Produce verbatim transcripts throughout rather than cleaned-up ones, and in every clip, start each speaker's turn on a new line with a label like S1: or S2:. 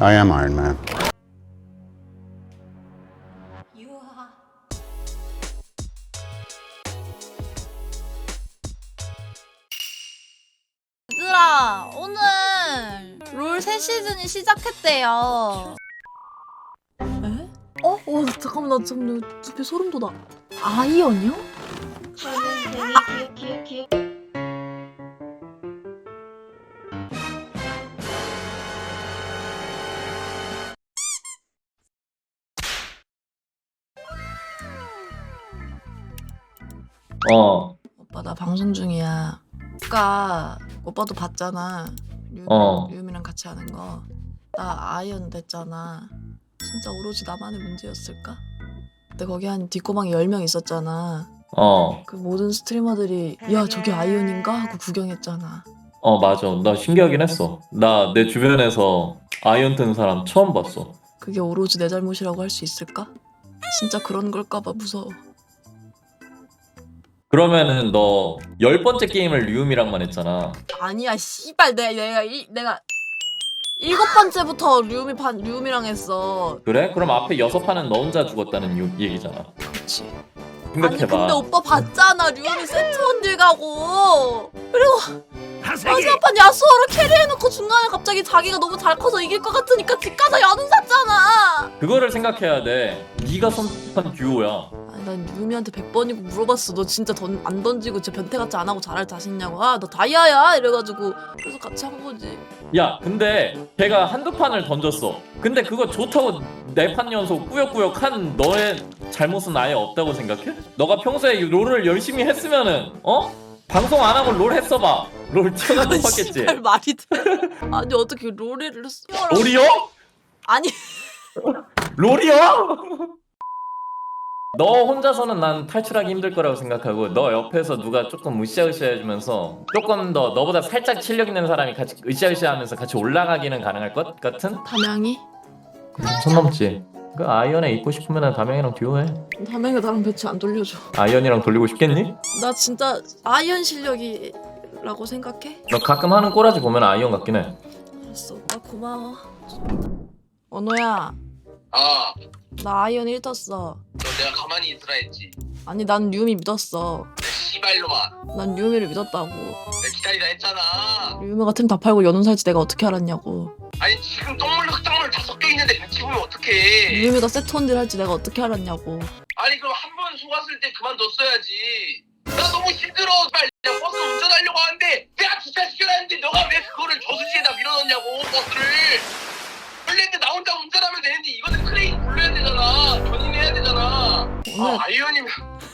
S1: I am Iron Man.
S2: 얘들아, 오늘 롤 새 시즌이 시작했대요. 에? 어? 어, 잠깐만, 나 지금 두피 소름 돋아. 아이언이요?
S3: 어,
S2: 오빠, 나 방송 중이야. 아까 오빠도 봤잖아. 류,
S3: 어.
S2: 류미랑 같이 하는 거. 나 아이언 됐잖아. 진짜 오로지 나만의 문제였을까? 근데 거기 한 뒷고방에 열 명 있었잖아.
S3: 어,
S2: 그 모든 스트리머들이 야, 저게 아이언인가? 하고 구경했잖아.
S3: 어, 맞아. 나 신기하긴 했어. 나 내 주변에서 아이언 뜬 사람 처음 봤어.
S2: 그게 오로지 내 잘못이라고 할 수 있을까? 진짜 그런 걸까봐 무서워.
S3: 그러면은 너 열 번째 게임을 류음이랑만 했잖아.
S2: 아니야, 씨발. 내가 내가 일, 내가 일곱 번째부터 류미 반 류미랑 했어.
S3: 그래? 그럼 앞에 여섯 판은 너 혼자 죽었다는 유- 얘기잖아.
S2: 그렇지. 아니
S3: 생각해봐.
S2: 근데 오빠 봤잖아. 류미 세트 원딜 가고. 그리고 마지막 판 야수호를 캐리해놓고 중간에 갑자기 자기가 너무 잘 커서 이길 것 같으니까 집 가서 연운 샀잖아.
S3: 그거를 생각해야 돼. 네가 선택한 듀오야.
S2: 아니, 난 류미한테 백 번이고 물어봤어. 너 진짜 던, 안 던지고 진짜 변태같이 안 하고 잘할 자신 있냐고. 아, 너 다이아야 이래가지고. 그래서 같이 한 거지.
S3: 야, 근데 걔가 한두 판을 던졌어. 근데 그거 좋다고 네 판 연속 꾸역꾸역 한 너의 잘못은 아예 없다고 생각해? 너가 평소에 이 롤을 열심히 했으면은 어? 방송 안 하고 롤 했어봐. 롤 튀어나도 봤겠지.
S2: 씨발 말이 돼. 아니 어떻게 롤을 쓰라.
S3: 롤이요?
S2: 아니
S3: 롤이요? 너 혼자서는 난 탈출하기 힘들 거라고 생각하고 너 옆에서 누가 조금 으쌰으쌰 해주면서 조금 더 너보다 살짝 실력 있는 사람이 같이 으쌰으쌰 하면서 같이 올라가기는 가능할 것 같은?
S2: 담양이?
S3: 선 넘지. 그 아이언에 있고 싶으면 담양이랑 듀오해.
S2: 담양이가 나랑 배치 안 돌려줘.
S3: 아이언이랑 돌리고 싶겠니?
S2: 나 진짜 아이언 실력이라고 생각해?
S3: 너 가끔 하는 꼬라지 보면 아이언 같긴 해.
S2: 알았어, 오빠 고마워. 언호야,
S4: 아,
S2: 나 아이언 일 떴어.
S4: 너 내가 가만히 있으라 했지.
S2: 아니 난 류미 믿었어.
S4: 내 씨발놈아,
S2: 난 류미를 믿었다고.
S4: 내가 기다리라 했잖아.
S2: 류미가 템 다 팔고 연운 살지 내가 어떻게 알았냐고.
S4: 아니 지금 똥물 흙탕물 다 섞여 있는데 같이 보면 어떡해?
S2: 류미가 세트 원딜 할지 내가 어떻게 알았냐고.
S4: 아니 그럼 한 번 속았을 때 그만뒀어야지. 나 너무 힘들어. 빨리 그냥 버스 운전하려고 하는데 내가 주차시켜야 하는데 너가 왜 그거를 저수지에다 밀어넣냐고 버스를. 원래 나 혼자 운전하면 되는데 이거는 크레인 불러야 되잖아. 견인해야 되잖아.
S2: 오늘
S4: 아, 아이언이면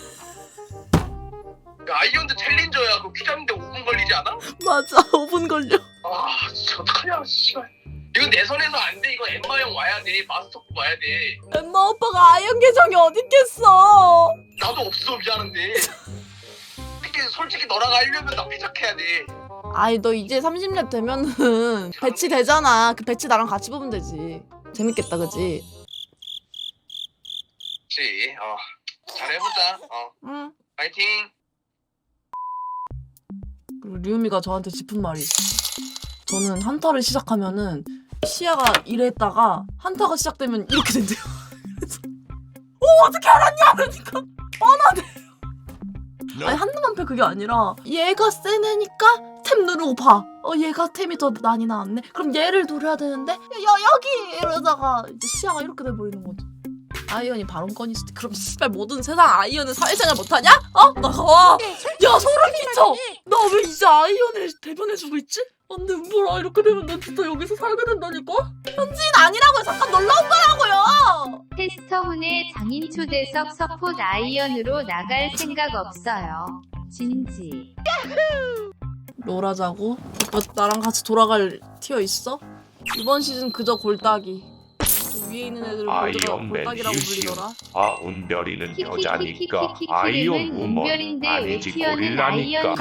S4: 야, 아이언도 챌린저야. 그거 퀴즈하는데 오 분 걸리지 않아?
S2: 맞아, 오 분 걸려.
S4: 아 진짜 어떡하냐 씨발. 이건 내 선에서 안 돼. 이거 엠마 형 와야 돼. 마스터급 와야 돼.
S2: 엠마 오빠가 아이언 계정이 어딨겠어.
S4: 나도 없어 미안한데. 특히 솔직히 너랑 하려면 나 회작해야 돼.
S2: 아이 너 이제 삼십 렙 되면은 배치 되잖아. 그 배치 나랑 같이 보면 되지. 재밌겠다, 그지?
S4: 그치. 어. 잘해보자. 어.
S2: 응.
S4: 파이팅.
S2: 그리고 류미가 저한테 짚은 말이 있어. 저는 한타를 시작하면은 시야가 이랬다가 한타가 시작되면 이렇게 된대요. 그래서 오, 어떻게 알았냐? 그러니까 뻔하대. 아니 한눈만 패 그게 아니라 얘가 센 애니까 템 누르고 봐. 어, 얘가 템이 더 많이 나왔네. 그럼 얘를 노려야 되는데 야, 여기 이러다가 이제 시야가 이렇게 돼버리는 거지. 아이언이 발언권이 있을 때 그럼 씨발 모든 세상 아이언은 사회생활 못하냐? 어? 나가. 야, 소름 끼쳐. 나 왜 이제 아이언을 대변해주고 있지? 안돼, 뭐라 이렇게 되면 난 진짜 여기서 살게 된다니까? 현지인 아니라고요. 잠깐 놀러 온 거라고요.
S5: 테스터훈의 장인 초대석 서폿 아이언으로 나갈 생각 없어요. 진지.
S2: 롤하자고? 오빠 나랑 같이 돌아갈 티어 있어? 이번 시즌 그저 골따기. 그 위에 있는 애들은 골드가
S6: 아이언맨
S2: 골따기라고
S6: 유시오.
S2: 불리더라.
S6: 아 운별이는 여자니까
S5: 키키키키키키키키는
S6: 아이언 우먼
S5: 운별인데 왜
S6: 아니지
S5: 티어는
S6: 고릴라니까.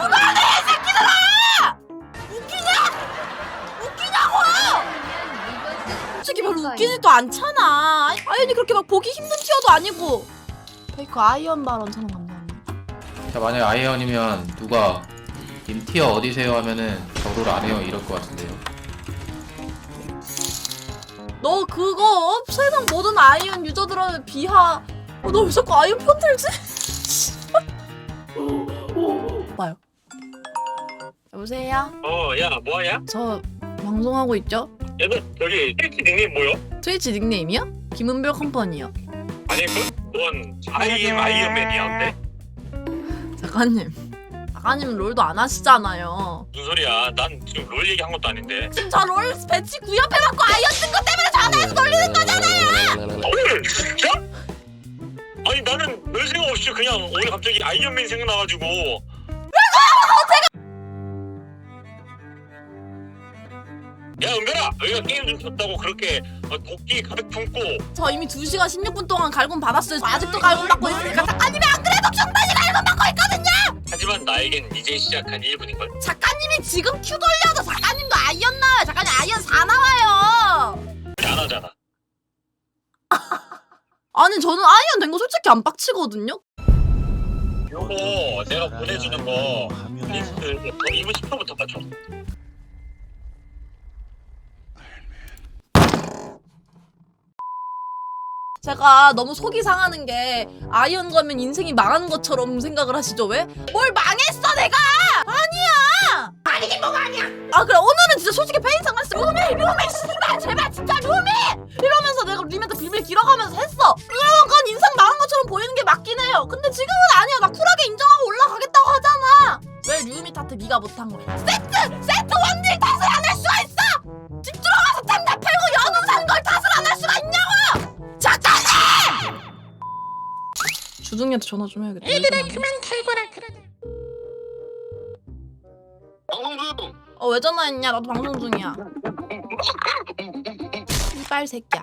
S2: 솔직히 별로 웃기지도 않잖아. 아이- 아이언이 그렇게 막 보기 힘든 티어도 아니고. 페이커 아이언 발언 천원 감사합니다.
S7: 자, 만약에 아이언이면 누가 님 티어 어디세요 하면은 저를 안 해요 이럴 것 같은데요.
S2: 너 그거 세상 모든 아이언 유저들한테 비하. 어, 너 왜 자꾸 아이언 편들지? 봐요. 여보세요?
S1: 어, 야, 뭐하냐?
S2: 저 방송하고 있죠?
S1: 야, 너 저기 트위치 닉네임 뭐요?
S2: 트위치 닉네임이요? 김은별 컴퍼니요.
S1: 아니, 그, 넌 아이엠 아이언맨이야, 근데?
S2: 작가님. 작가님 롤도 안 하시잖아요.
S1: 무슨 소리야? 난 지금 롤 얘기한 것도 아닌데.
S2: 지금 저 롤 배치 구협해갖고 아이언 뜬 것 때문에 전화해서 놀리는 거잖아요!
S1: 어, 진짜? 아니, 나는 별 생각 없이 그냥 오늘 갑자기 아이언맨 생각나가지고. 야, 은별아! 너희가 게임 좀 쳤다고 그렇게 어, 도끼 가득 품고
S2: 저 이미 두 시간 십육 분 동안 갈굼 받았어요. 아직도 갈굼 받고 있으니까 작가님이 안 그래도 충분히 갈굼 받고 있거든요!
S1: 하지만 나에겐 이제 시작한 일 분인걸?
S2: 작가님이 지금 큐 돌려도 작가님도 아이언 나와요. 작가님 아이언 사 나와요.
S1: 안 하잖아.
S2: 아니 저는 아이언 된 거 솔직히 안 빡치거든요.
S1: 요거 내가 보내주는 거 리스트 이 분 십 분부터 맞춰.
S2: 제가 너무 속이 상하는 게 아이언 가면 인생이 망하는 것처럼 생각을 하시죠? 왜? 뭘 망했어 내가! 아니야! 아니긴 뭐가 아니야! 아 그래 오늘은 진짜 솔직히 페인상 했어. 루미! 루미! 씨발 제발 진짜 루미! 이러면서 내가 루미한테 비밀 길어가면서 했어. 그러면 그건 인생 망한 것처럼 보이는 게 맞긴 해요. 근데 지금은 아니야. 나 쿨하게 인정하고 올라가겠다고 하잖아. 왜 루미 탓을 네가 못한 거야? 세트! 세트 원딜 탓을 안 할 수가 있어! 집 들어가서 탐나 팔고 연우 산 걸 탓을 안 할 수가 있냐고! 작가님! 주둥이한테 전화 좀 해야겠다. 얘들아 그만 탈거라 그래.
S4: 방송 중.
S2: 어 왜 전화했냐? 나도 방송 중이야. 이빨 새끼야.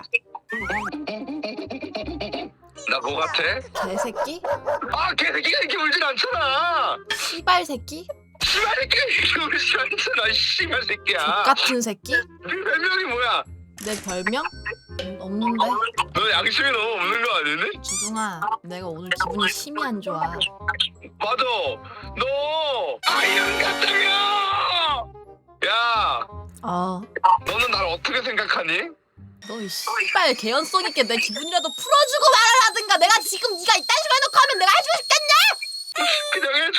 S4: 나 뭐 같아?
S2: 개새끼?
S4: 아 개새끼가 이렇게 울진 않잖아.
S2: 이빨 새끼?
S4: 씨발 새끼가 이렇게 울진 않잖아. 씨발 새끼야.
S2: 족같은 새끼?
S4: 네 별명이 뭐야?
S2: 내 별명? 음, 없는데?
S4: 너 양심이 너무 없는 거 아니니?
S2: 주둥아 내가 오늘 기분이 심히 안 좋아.
S4: 맞아. 너 아이언 같다며. 야,
S2: 아
S4: 너는 날 어떻게 생각하니?
S2: 너 이 씨발 개연성 있게 내 기분이라도 풀어주고 말을 하든가. 내가 지금 네가 이딴 식으로 해놓고 하면 내가 해주고 싶겠냐?
S4: 그냥 해줘.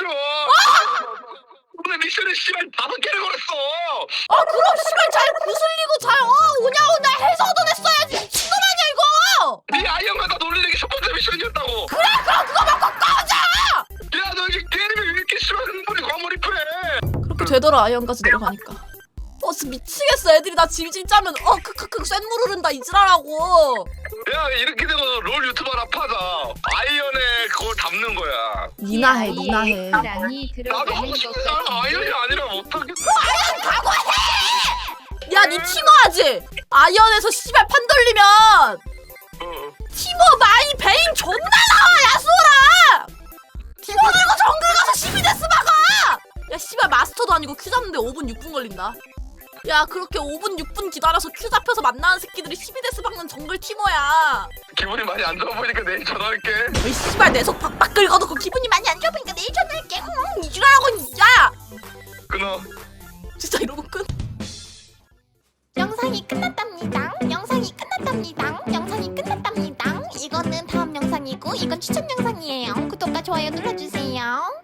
S4: 오늘 미션에 씨발 다섯 개를 걸었어.
S2: 아 그럼 씨발 잘 구슬리고 잘 어 오냐 오냐 해서 얻어냈어야지. 미친놈 아니야 이거.
S4: 네 아이언 갖다 놀리는 게 첫 번째 미션이었다고.
S2: 그래 그럼 그거 먹고 꺼져.
S4: 야, 너 이제 게임이 왜 이렇게 싫어? 흥분이 과몰입해.
S2: 그렇게 되더라 아이언까지 내려가니까. 어 진짜 미치겠어. 애들이 나 질질 짜면 어 크크크 쇳물 흐른다 이지랄하고.
S4: 야, 이렇게 되고 롤 유튜버나 파자. 아이언에 그걸 담는 거야.
S2: 니나 해 니나 해.
S5: 랑이
S4: 나도
S5: 들어가는
S4: 하고 싶은데
S5: 것까지
S4: 아이언이 아니라 못하겠어.
S2: 야 니 티모하지? 아이언에서 씨발 판 돌리면
S4: 어.
S2: 티모 마이 베인 존나 나와 야수라. 티모 들고 정글 가서 십이 데스 막아. 야 씨발 마스터도 아니고 큐 잡는데 오 분 육 분 걸린다. 야 그렇게 오 분 육 분 기다려서 큐 잡혀서 만나는 새끼들이 십이 데스 박는 정글 티모야.
S4: 기분이 많이 안 좋아 보이니까 내일 전화할게.
S2: 이 씨발 내 속 박박 긁어놓고 기분이 많이 안 좋아 보니까 내일 전화할게. 응 이지랄하고 진짜.
S4: 끊어.
S2: 진짜 이러고 끝.
S8: 영상이 끝났답니다. 영상이 끝났답니다. 영상이 끝났답니다. 이거는 다음 영상이고 이건 추천 영상이에요. 구독과 좋아요 눌러주세요.